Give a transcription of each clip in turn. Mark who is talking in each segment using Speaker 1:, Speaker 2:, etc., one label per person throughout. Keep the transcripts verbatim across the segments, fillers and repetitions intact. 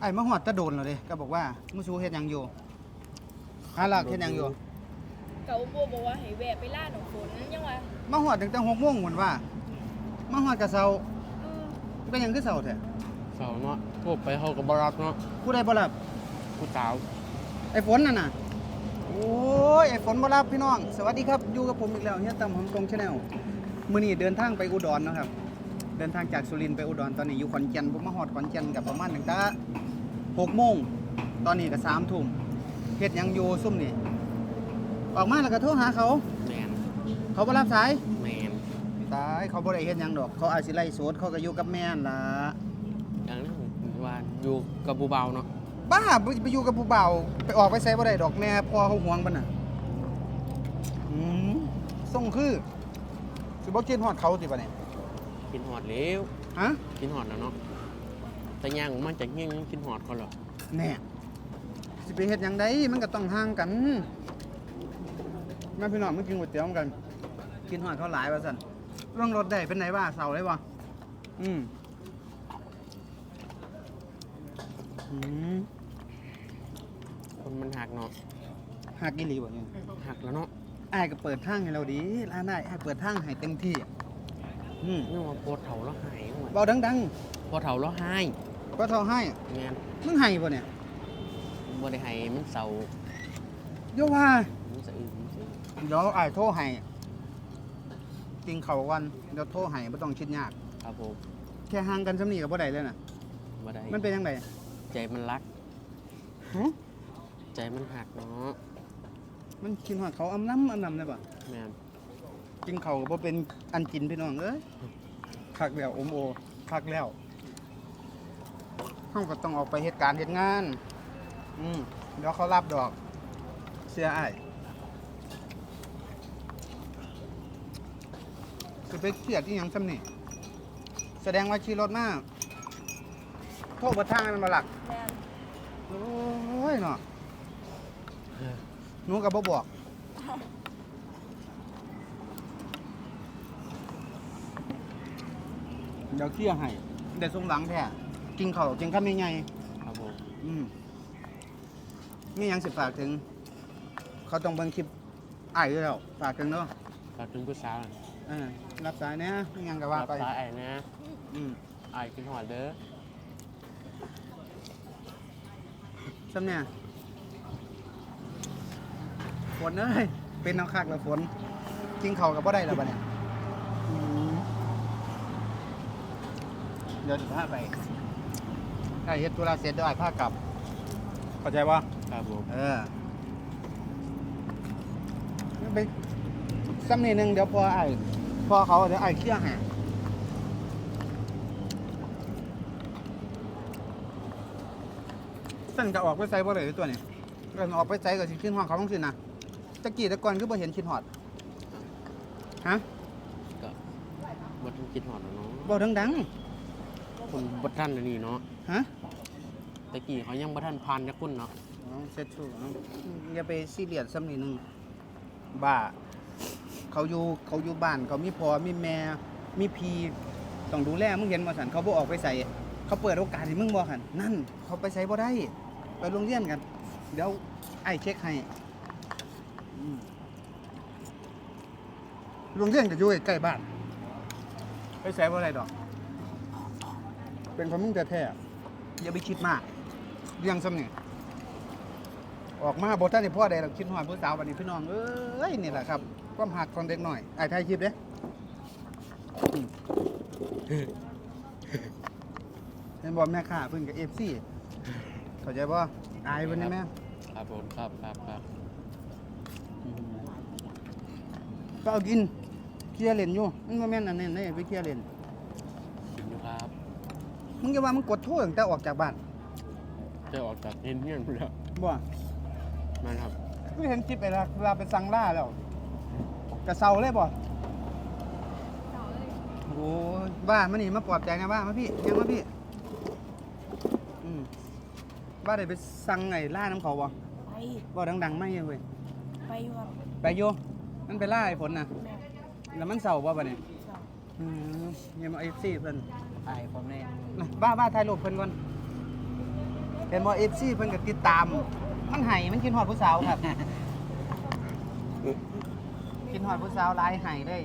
Speaker 1: อ้มาหอดตะโดนเหรอเด้ก็บอกว่ามุสูเฮ็ดหยังอยู่หาหลักเฮ็ดหยังอยู่
Speaker 2: เกาบัวบอกว่าให้แวะไปล่าหนองฝนยังวะ
Speaker 1: มาหอดตั้งแต่หกโมงเหมือนว่ามาหอดกะเซาเป็นหยังคือเซาแท้
Speaker 3: เสาเนาะพวกไปเขากับบรับเนาะ
Speaker 1: ผู้ใดบ่รับ
Speaker 3: ผู้สาว
Speaker 1: ไอ้ฝนนั่นน่ะโอ้ยไอ้ฝนบ่รับพี่น้องสวัสดีครับอยู่กับผมอีกแล้วเฮียตั้มหอมกง Channel มื้อนี้เดินทางไปอุดรเนาะครับเดินทางจากสุรินทร์ไปอุดรตอนนี้อยู่ขอนแก่นผมมาฮอดขอนแก่นกับประมาณตั้งแต่หกโมงตอนนี้ก็สามทุ่มเฮ็ดหยังอยู่ซุ่มนี่ออกมาแล้วก็โทรหาเขา
Speaker 3: แมน
Speaker 1: เขาบ่รับสาย
Speaker 3: แมน
Speaker 1: ตายเขาบ่ได้เฮ็ดหยังดอกเขาอาจสิไล่สดเขาก็อยู่กับแม่นล่ะ
Speaker 3: อย่างนั้นว่าอยู่กับบูเบาเนาะ
Speaker 1: บ้าไปอยู่กับผู้บ่าวไปออกไปไสบ่ได้ดอกแม่พ่อเขาห่วงบัดน่ะอืมส่งคือสิบ่กินฮอดเขาสิบัดนี้
Speaker 3: กินหอดเลี้ยว
Speaker 1: ฮะ
Speaker 3: กินหอดแล้วเนาะแต่ย่างมันจากเงี้ยงกินหอดเขาหรอ
Speaker 1: แน่สิไปเฮ็ดหยังได้มันก็ต้องห่างกันแม่พี่น้องมากินก๋วยเตี๋ยวกัน กินหอดเขาหลายว่าซั่นเรื่องรถได้เป็นไหนบ้าเสาได้บ่อืมอืม
Speaker 3: คนมันหักเนาะ
Speaker 1: หักอีหลีบ่เนี่ย
Speaker 3: หักแล้วเนาะ
Speaker 1: อ้ายก็เปิดทางให้เราดีร้านอ้ายอ้ายเปิดทางให้เต็มที่อืม
Speaker 3: นี่ว่าโพดเถาแล้วหาย
Speaker 1: เบาดัง
Speaker 3: ๆโพดเถาแล้วหาย
Speaker 1: ก็เท่าให้
Speaker 3: แม่น
Speaker 1: มึงให้บ่เนี่ย
Speaker 3: บ่ได้ให้มันเศร้า
Speaker 1: โยว่า
Speaker 3: มันสะอื้น
Speaker 1: เดี๋ยวอ้ายโทรให้กินข้าวกันเดี๋ยวโทรให้บ่ต้องคิดยาก
Speaker 3: ครับผม
Speaker 1: แค่ห่างกันซำนี้ก็บ่ได้เลยน่ะ
Speaker 3: บ่ได้
Speaker 1: มันเป็นจังได๋
Speaker 3: ใจมันรัก
Speaker 1: ฮะ
Speaker 3: ใจมันหักเนาะ
Speaker 1: มันกินฮอดเขาอำน้ำอำน้ำได้บ่
Speaker 3: แม่น
Speaker 1: กินข้าวก็บ่เป็นอันกินพี่น้องเอ้ยคักแล้วอมโอคักแล้วเฮาก็ต้องออกไปเฮ็ดการเฮ็ดงานอืมเดี๋ยวเขารับดอกเสียอ้ายสิไปเครียดอีหยังซำนี่แสดงว่าขี่รถมาโทษบ่ทางให้มันบ่หลัก
Speaker 2: แม่น
Speaker 1: โอ้ยเนาะหนูก็บ่บอกเดี๋ยวเคลียร์ให้เดี๋ยวส่งหลังแท้กินข้าวกินข้าวใหญ่
Speaker 3: ๆครับผม
Speaker 1: อืมมีหยังสิฝากถึงเขาต้องเบิ่งคลิปอ้ายอยู่แล้วฝากถึงเนาะ
Speaker 3: ฝากถึงผู้สาว
Speaker 1: เออรับสายแหน่มีหยังก็ว่าไป
Speaker 3: รับสายไอ้นะ
Speaker 1: อืม
Speaker 3: อ้ายกินหอดเด้อ
Speaker 1: ซ้ำเนี่ยฝนเอ้ยเป็นน้ำคักแล้วฝนกินข้าวก็บ่ได้แล้วบัดเนี่ยเดี๋ยวสิพาไปถ้าเฮ็ดธุระเสร็จเดี๋ยวอ้ายพากลับเข้าใจบ่
Speaker 3: ครับผม
Speaker 1: เออไปซ้ำนี่นึงเดี๋ยวพออ้ายพอเขาเดี๋ยวอ้ายเคลียร์ให้สั่นจะออกไปไสบ่ได้ตัวนี้เรื่องออกไปไสก็สิขึ้นห้องเขาจังซี่นะตะกี้แต่ก่อนคือบ่เห็นคิดฮอดฮะ
Speaker 3: ก็บ่ทันคิดฮอดเนาะ
Speaker 1: บ่ดัง
Speaker 3: ๆคนบ่ทันอันนี้เนาะ
Speaker 1: ฮะ
Speaker 3: ตะกี้เขายังบ่ทันผ่านจักคนเนาะ
Speaker 1: อ๋อเสร็จสู้อย่าไปซีเรียสซ้ำนี่นึงบ้าเขาอยู่เขาอยู่บ้านเขามีพ่อมีแม่มีพี่ต้องดูแลมึงเห็นบ่ซั่นเขาบ่ออกไปไสเขาเปิดโอกาสให้มึงบ่หั่นนั่นเขาไปไสบ่ได้ไปโรงเรียนกันเดี๋ยวไอ้เช็คให้โรงเรียนก็อยู่ใกล้บ้านไปไสบ่ได้ดอกเป็นของมึงแท้ๆอย่าไปคิดมากเรื่องซ้ำนี่ออกมาบ่ทันได้พ่อได้ดอกคิดฮอดผู้สาวบัดนี้พี่น้องเอ้ยนี่แหละครับความหักของเด็กน้อยไอ้ถ่ายคลิปเด้เห็นบ่แม่ค้าเพิ่นก็ เอฟ ซี เข้าใจบ่อายเพิ่นได้แม่
Speaker 3: ครับผมครับครับครับ
Speaker 1: ก็เอากินเคลียร์เล่นอยู่มันบ่แม่นอันนั้นเด้ไปเคลียร์เล่น
Speaker 3: กินอยู่ครับ
Speaker 1: มึงอย่าว่ามึงกดโทรตั้งแต่ออกจากบ้าน
Speaker 3: จะออกจากเฮียนเฮียนพุ่นแล้ว
Speaker 1: บ่
Speaker 3: นั่นครับ
Speaker 1: กูเห็นคลิปไอ้เวลาไปสั่งล่าแล้วกระเซาเลยบ่โอ้ยบ้ามานี่มาปลอบใจนะบ้ามาพี่ยังมาพี่อืมบ้าได้ไปสั่งไอ้ล่าน้ำเขาบ่
Speaker 2: ไป
Speaker 1: บ่ดังๆไม่เว้ย
Speaker 2: ไปอยู่ครับ
Speaker 1: ไปอยู่มันไปล่าไอ้ฝนน่ะแล้วมันเศร้าบ่บัดนี้อืมยังมา เอฟ ซี เพิ่น
Speaker 3: ไอ้ผมแน่
Speaker 1: บ้าบ้าถ่ายรูปเพิ่นก่อนเห็นบ่ เอฟ ซี เพิ่นก็ติดตาม มันไห้มันกินฮอดผู้สาวครับ กินฮอดผู้สาวหลายไห้เลย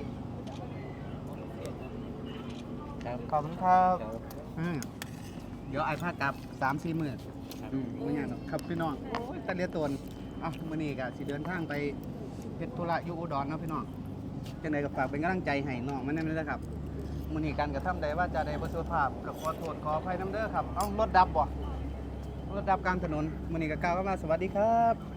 Speaker 3: ครับ
Speaker 1: ขอบคุณครับ
Speaker 3: ครับ
Speaker 1: อืมเดี๋ยวไอ้พากลับ สามสี่ มื้ออืมบ่ยากหรอกครับพี่น้องโอ้ยตะเลียตนเอ้ามื้อนี้ก็สิเดินทางไปเฮ็ดธุระอยู่อุดรเนาะพี่น้องจังไดก็ฝากเป็นกำลังใจให้น้องมันนำเด้อครับมื้อนี้การกระทำใดว่าจะได้บ่สุภาพก็ขอโทษขออภัยนํเด้อครับเอ้ารถดับบ่รถดับกลางถนนมื้อนี้ก็กล่าวคำว่าสวัสดีครับ